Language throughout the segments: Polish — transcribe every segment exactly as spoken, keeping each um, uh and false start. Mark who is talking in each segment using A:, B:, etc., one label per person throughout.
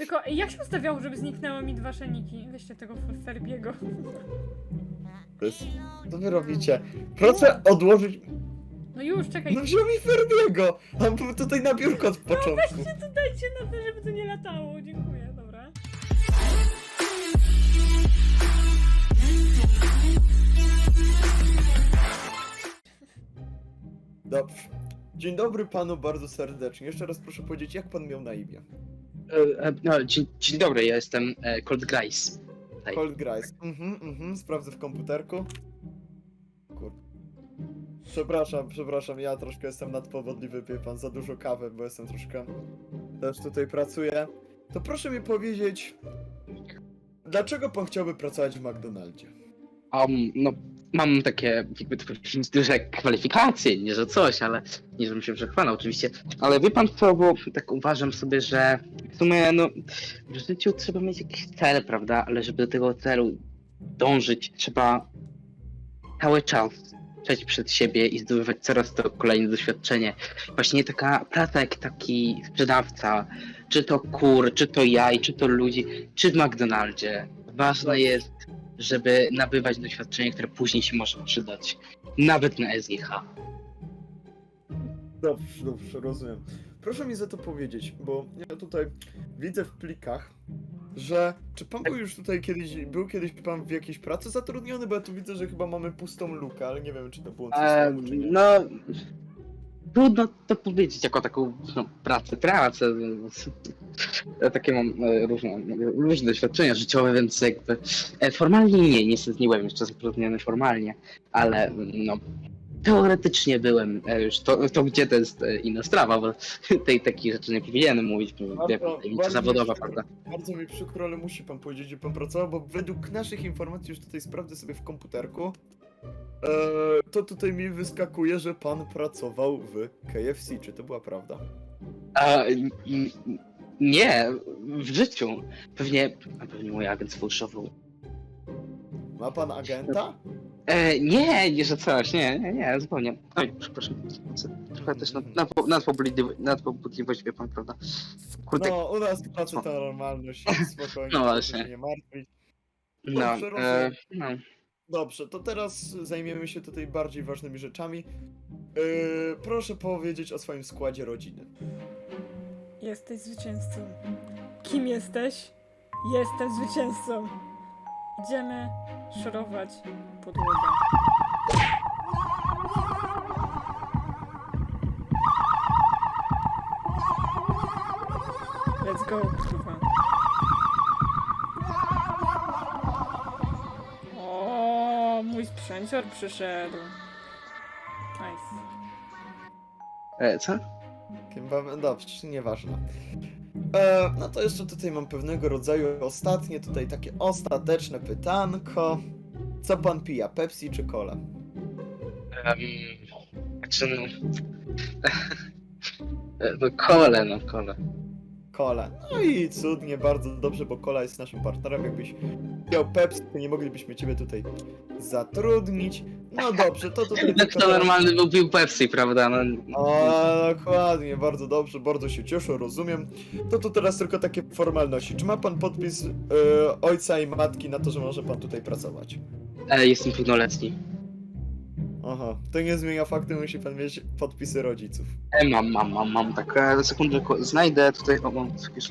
A: Tylko jak się ustawiało, żeby zniknęły mi dwa szeniki? Weźcie tego Ferbiego.
B: To jest... Co wy robicie? Proszę odłożyć...
A: No już, czekaj.
B: No wziął mi Ferbiego! On był tutaj na biurko od początku.
A: Weźcie to, dajcie na to, żeby to nie latało. Dziękuję, dobra.
B: Dobrze. Dzień dobry panu bardzo serdecznie. Jeszcze raz proszę powiedzieć, jak pan miał na imię?
C: E, e, no, dzień, dzień dobry, ja jestem e, Cold Grice. Tutaj.
B: Cold Grice. Mhm, mhm, sprawdzę w komputerku. Kurde. Przepraszam, przepraszam, ja troszkę jestem nadpowodliwy, wie pan, za dużo kawy, bo jestem troszkę... Też tutaj pracuję. To proszę mi powiedzieć... Dlaczego pan chciałby pracować w McDonaldzie?
C: Um, no, mam takie, jakby to powiedzieć, duże kwalifikacje, nie że coś, ale nie żebym się przechwalał oczywiście. Ale wie pan co, bo tak uważam sobie, że w sumie, no, w życiu trzeba mieć jakiś cel, prawda? Ale żeby do tego celu dążyć, trzeba cały czas przejść przed siebie i zdobywać coraz to kolejne doświadczenie. Właśnie taka praca jak taki sprzedawca, czy to kur, czy to jaj, czy to ludzi, czy w McDonaldzie. Ważne jest, żeby nabywać doświadczenie, które później się może przydać. Nawet na S G H.
B: Dobrze, dobrze, rozumiem. Proszę mi za to powiedzieć, bo ja tutaj widzę w plikach, że czy pan był już tutaj kiedyś, był kiedyś pan w jakiejś pracy zatrudniony, bo ja tu widzę, że chyba mamy pustą lukę, ale nie wiem, czy to było coś
C: E,
B: słowo, czy nie.
C: no, trudno to powiedzieć jako taką no, pracę, pracę. Więc, ja takie mam e, różne, różne doświadczenia życiowe, więc jakby e, formalnie nie, nie byłem jeszcze zatrudniony formalnie, ale no teoretycznie byłem e, już, to, to gdzie to jest e, inna sprawa, bo tej takich rzeczy nie powinienem mówić, bo
B: Bardzo-
C: jak tajemnica
B: bardzo
C: zawodowa,
B: mi
C: prawda?
B: przykro- Bardzo mi przykro, ale musi pan powiedzieć, gdzie pan pracował, bo według naszych informacji, już tutaj sprawdzę sobie w komputerku, e, to tutaj mi wyskakuje, że pan pracował w K F C. Czy to była prawda?
C: A, n- n- nie, w życiu. Pewnie, a pewnie mój agent sfałszował.
B: Ma pan agenta?
C: E, nie, nie, że coś, nie, nie, nie, zupełnie. Oj, przepraszam. Trochę też nad, nad, nadpobudliwość, nadpobudliwość, wie pan, prawda? Kurde,
B: No, u nas w pracy to normalność, spokojnie,
C: No
B: proszę
C: właśnie.
B: się nie martwić.
C: no,
B: dobrze,
C: e,
B: rozumiem.
C: no.
B: Dobrze, to teraz zajmiemy się tutaj bardziej ważnymi rzeczami. Yy, proszę powiedzieć o swoim składzie rodziny.
A: Jesteś zwycięzcą. Kim jesteś? Jestem zwycięzcą. Idziemy szorować podłogę. Let's go, kurwa. O, mój sprzęcior przyszedł. Nice.
C: E, co?
B: Kim wam... Dobrze, nieważne. E, no to jeszcze tutaj mam pewnego rodzaju ostatnie, tutaj takie ostateczne pytanko. Co pan pija, Pepsi czy Cola?
C: Um, znaczy, no... E, no, kole, no, kole.
B: Cola. No i cudnie, bardzo dobrze, bo Cola jest naszym partnerem. Jakbyś miał Pepsi, to nie moglibyśmy ciebie tutaj zatrudnić. No dobrze, to tutaj...
C: Jak
B: tylko
C: to
B: teraz-
C: normalny był pił Pepsi, prawda? No,
B: O, dokładnie, bardzo dobrze, bardzo się cieszę, rozumiem. To tu teraz tylko takie formalności. Czy ma pan podpis e, ojca i matki na to, że może pan tutaj pracować?
C: e, jestem pełnoletni.
B: Aha, to nie zmienia faktu, musi pan mieć podpisy rodziców.
C: E, mam, mam, mam, mam, tak, e, sekundę, ko- znajdę tutaj, o, mam, jakieś-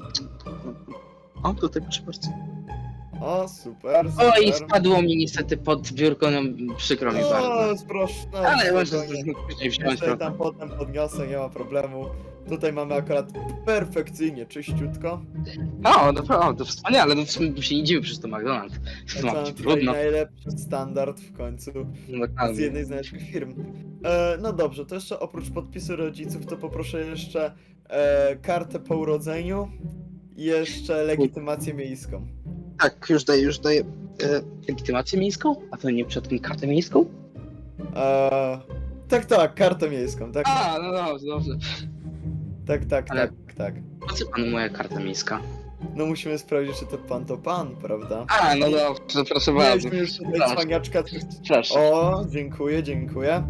C: o, tutaj proszę bardzo.
B: O, super, super.
C: Oj, spadło mi niestety pod biurko, no przykro mi bardzo.
B: O, proszę, no,
C: Ale może
B: spokojnie.
C: później wziąć,
B: Ja sobie
C: prawda?
B: tam potem podniosę, nie ma problemu. Tutaj mamy akurat perfekcyjnie, czyściutko.
C: O, naprawdę, to wspaniale, no w sumie się nie dziwię przez to McDonald's. To ma
B: Mamy
C: być
B: tutaj
C: trudno.
B: najlepszy standard w końcu.
C: No,
B: Z
C: dokładnie.
B: jednej z naszych firm. E, no dobrze, to jeszcze oprócz podpisu rodziców, to poproszę jeszcze e, kartę po urodzeniu i jeszcze legitymację miejską.
C: Tak, już daję, już daję e, legitymację miejską? A to nie przed tym kartę miejską?
B: E, tak, tak, kartę miejską, tak,
C: A, no dobrze, dobrze.
B: tak, tak,
C: ale-
B: tak, tak.
C: Po co panu moja karta miejska?
B: No musimy sprawdzić, czy to pan to pan, prawda?
C: A, no dobrze, proszę bardzo.
B: Mieliśmy już tutaj
C: Proszę.
B: cwaniaczka.
C: Proszę.
B: O, dziękuję, dziękuję.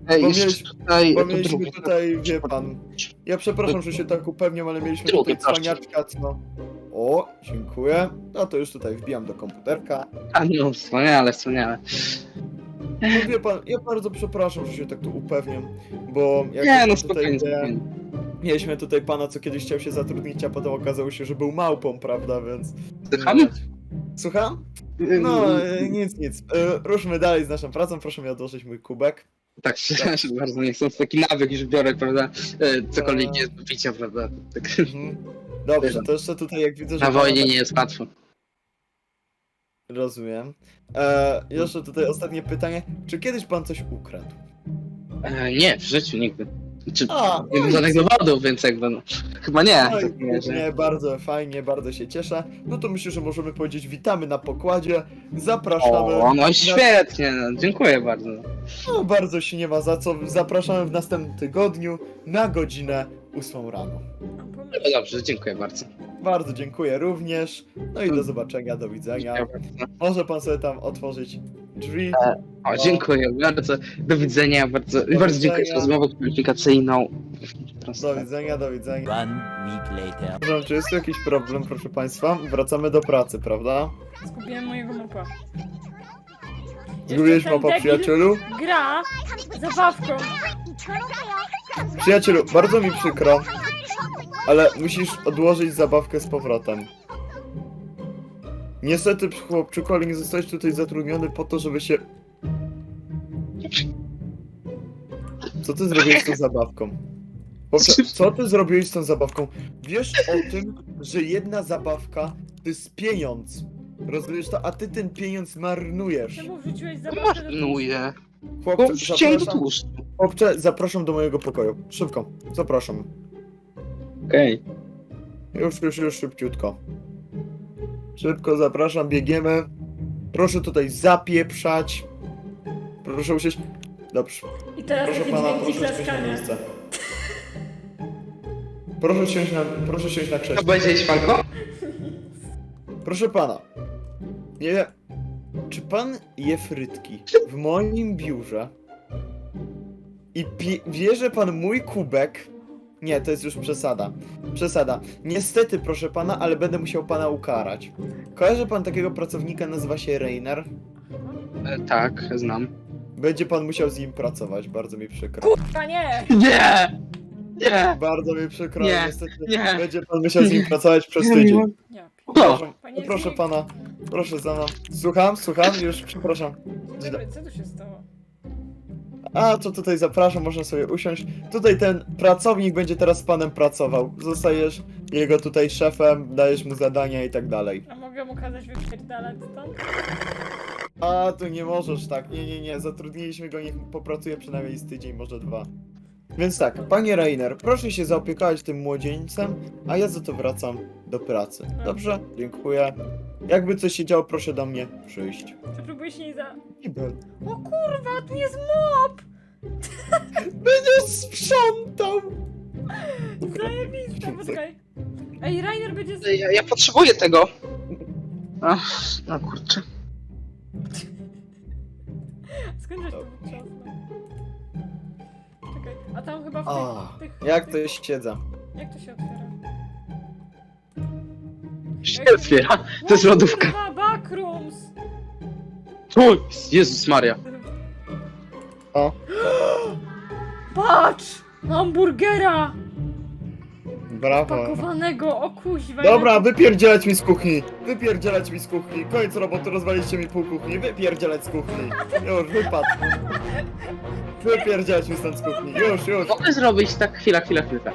C: Ej,
B: Bo
C: jeszcze
B: mieliśmy-
C: tutaj...
B: Bo
C: to
B: mieliśmy
C: drugi.
B: tutaj, wie pan, ja przepraszam, że się tak upewniam, ale mieliśmy
C: Drugi,
B: tutaj
C: proszę.
B: cwaniaczka, co... O, dziękuję. No to już tutaj wbijam do komputerka.
C: A no, wspaniale, wspaniale.
B: No wie pan, ja bardzo przepraszam, że się tak tu upewniam, bo jak
C: Nie, no
B: tutaj
C: spokojnie,
B: wie,
C: spokojnie.
B: mieliśmy tutaj pana, co kiedyś chciał się zatrudnić, a potem okazało się, że był małpą, prawda, więc...
C: Słucham?
B: Słucham? No, e, nic, nic. E, Ruszmy dalej z naszą pracą, proszę mi odłożyć mój kubek.
C: Tak, przepraszam bardzo, nie chcąc taki nawyk już biorę, prawda? E, Cokolwiek nie jest do picia, prawda? Tak.
B: Mhm. Dobrze, to jeszcze tutaj jak widzę, że...
C: Na
B: pana
C: wojnie
B: tak-
C: nie jest łatwo.
B: Rozumiem. E, jeszcze tutaj ostatnie pytanie. Czy kiedyś pan coś ukradł?
C: E, nie, w życiu nigdy. Czy,
B: A,
C: nie mam
B: no i
C: żadnych
B: co?
C: dowodów, więc jakby no, chyba nie.
B: No
C: w
B: i
C: takim razie.
B: nie, bardzo fajnie, bardzo się cieszę. No to myślę, że możemy powiedzieć witamy na pokładzie. Zapraszamy.
C: O, no świetnie, no, dziękuję bardzo.
B: No, bardzo się nie ma za co. Zapraszamy w następnym tygodniu na godzinę ósmą rano.
A: Mam pomysł.
C: No dobrze, dziękuję bardzo.
B: Bardzo dziękuję również. No i do zobaczenia, do widzenia.
C: Dziękuję bardzo.
B: Może pan sobie tam otworzyć drzwi.
C: O, dziękuję bardzo. Do widzenia, bardzo, bardzo dziękuję
B: widzenia.
C: za rozmowę kwalifikacyjną.
B: Do widzenia, do widzenia.
D: One week later.
B: Przepraszam, czy jest tu jakiś problem, proszę państwa? Wracamy do pracy, prawda?
A: Zgubiłem mojego mopa.
B: Zgubiłeś
A: Jeszcze ten
B: mapa,
A: debil
B: przyjacielu?
A: Gra zabawką.
B: Przyjacielu, bardzo mi przykro, ale musisz odłożyć zabawkę z powrotem. Niestety, chłopczyku, ale nie zostałeś tutaj zatrudniony po to, żeby się... Co ty zrobiłeś z tą zabawką? Chłopcze, co ty zrobiłeś z tą zabawką? Wiesz o tym, że jedna zabawka to jest pieniądz. Rozumiesz to? A ty ten pieniądz marnujesz.
A: Czemu wrzuciłeś zabawkę do
C: Marnuję. Bo
B: Chłopcze,
C: wrzuciłem do
B: zapraszam,
C: tłuszczu.
B: chłopcze, zapraszam do mojego pokoju. Szybko, zapraszam.
C: Okej.
B: Już, już, już szybciutko. Szybko zapraszam, biegniemy. Proszę tutaj zapieprzać. Proszę usiąść. Dobrze.
A: I teraz
B: Proszę
A: takie
B: pana,
A: dźwięki
B: proszę usiąść na
A: klaskania.
B: miejsce. Proszę siąść na, proszę siąść na
C: To
B: krześle.
C: będzie Śwanko?
B: Proszę pana. Nie wiem. Czy pan je frytki w moim biurze i pie- bierze pan mój kubek? Nie, to jest już przesada. Przesada. Niestety, proszę pana, ale będę musiał pana ukarać. Kojarzy pan takiego pracownika, nazywa się Rainer?
C: E, tak, znam.
B: Będzie pan musiał z nim pracować, bardzo mi przykro.
A: Kurwa nie!
C: Nie! Nie!
B: Bardzo mi przykro,
C: Nie,
B: niestety
C: nie.
B: będzie pan musiał z nim pracować przez tydzień.
A: Ja pi-
C: O!
B: Proszę,
A: Panie
B: proszę
A: Zbigniew.
B: pana, proszę za mną. Słucham, słucham, już przepraszam.
A: Dzień dobry, co tu się stało?
B: A, to tutaj zapraszam, można sobie usiąść. Tutaj ten pracownik będzie teraz z panem pracował. Zostajesz jego tutaj szefem, dajesz mu zadania i tak dalej.
A: A mogę mu kazać wypierdalać stąd?
B: A, tu nie możesz tak, nie, nie, nie, zatrudniliśmy go, niech popracuje przynajmniej z tydzień, może dwa. Więc tak, panie Rainer, proszę się zaopiekować tym młodzieńcem, a ja za to wracam do pracy. Dobrze? Dziękuję. Jakby coś się działo, proszę do mnie przyjść.
A: Czy próbuję się nie za...
B: Ibel.
A: O kurwa, tu jest mop!
B: Będziesz sprzątał!
A: Zajebiste, poczekaj. Ej, Rainer będzie... Z...
C: Ja, ja potrzebuję tego. Ach, no kurczę.
A: Skąd żeś to wytrzasnął? Czekaj, a tam chyba w
B: A,
A: tych... tych
B: jak
A: tych...
B: to jest siedza?
A: Jak to się otwiera?
C: Się otwiera. To jest
A: O
C: lodówka.
A: kurwa, backrooms!
C: O, Jezus Maria.
B: O,
A: Patrz! Hamburgera!
B: brawo.
A: Pakowanego, o kuźwa.
B: Dobra, wypierdzielać mi z kuchni! Wypierdzielać mi z kuchni! Koniec roboty, rozwaliście mi pół kuchni! Wypierdzielać z kuchni! Już, wypadł! Wypierdzielać mi stąd z kuchni! Już, już!
C: Mogę zrobić tak, chwila, chwila, chwila.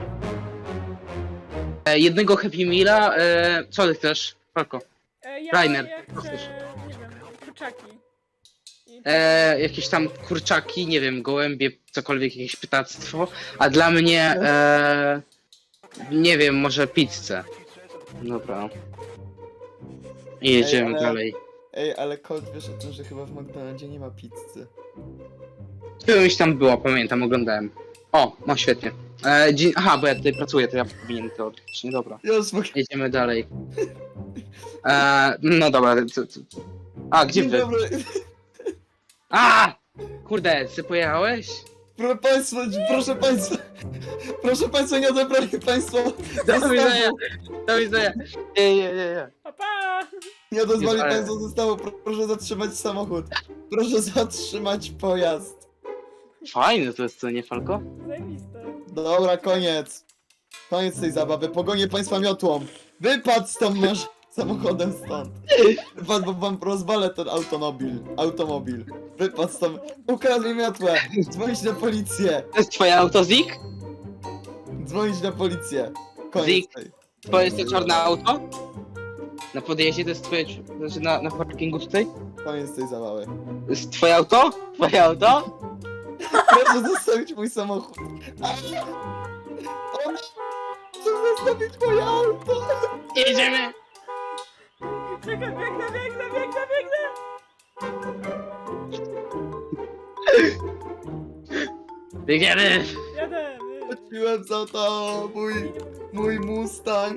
C: E, jednego Happy Meala, e, co ty chcesz? Falko.
A: E, ja,
C: Rainer,
A: ja chcę,
C: chcesz?
A: nie wiem, kurczaki. I...
C: E, jakieś tam kurczaki, nie wiem, gołębie, cokolwiek, jakieś pytactwo. A dla mnie, e, nie wiem, może pizzę. Dobra. I jedziemy
B: Ej, ale-
C: dalej.
B: Ej, ale Colt, wiesz o tym, że chyba w McDonaldzie nie ma pizzy.
C: Czymś tam było, pamiętam, oglądałem. O, no świetnie. E, dzień, aha, bo ja tutaj pracuję, to ja powinien to odkryć. Nie, dobra.
B: Już, mogę...
C: Jedziemy dalej. E, no dobra, co, co, co. A, gdzie
B: Dzień
C: wy?
B: dobry!
C: A! Kurde, ty pojechałeś?
B: Proszę państwa, proszę państwa, proszę państwa, nie odebrali państwo
C: Do widzenia,
B: zestawu.
C: do widzenia. Nie, nie, nie, nie.
A: Pa, pa!
B: Nie odezwali
C: Ale-
B: państwo zestawu, proszę zatrzymać samochód. Proszę zatrzymać pojazd.
C: Fajne to jest, co nie, Falko?
A: Zajebiste.
B: Dobra, koniec. Koniec tej zabawy, pogonię państwa miotłą. Wypadł stąd masz samochodem stąd. Wypadł, bo wam rozwalę ten automobil. Automobil. Wypadł stąd. Ukradł mi miotłę. Dzwonić na policję.
C: To jest twoje auto, Zik?
B: Dzwonić na policję. Koniec
C: Zik.
B: tej.
C: Twoje jest to czarne auto? Na podjeździe to jest twoje, znaczy na, na parkingu tutaj?
B: Koniec tej zabawy.
C: To jest twoje auto? Twoje auto?
B: Proszę zostawić mój samochód. On... Chcę zostawić moje auto.
C: Jedziemy!
A: Czekaj, biegnę, biegnę, biegnę, biegnę!
C: Biegniemy!
A: Jadę!
B: Wróciłem za to, mój, mój Mustang.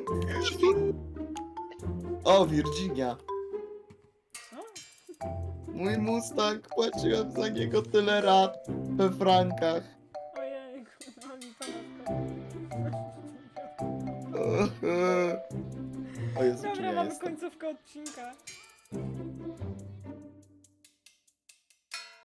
B: O, Virginia.
A: Co?
B: Mój Mustang, płaciłem za niego tyle lat we frankach.
A: Ojejku, no mi pana
B: O Jezu, czy
A: Dobra,
B: ja
A: mamy
B: jestem?
A: końcówkę odcinka.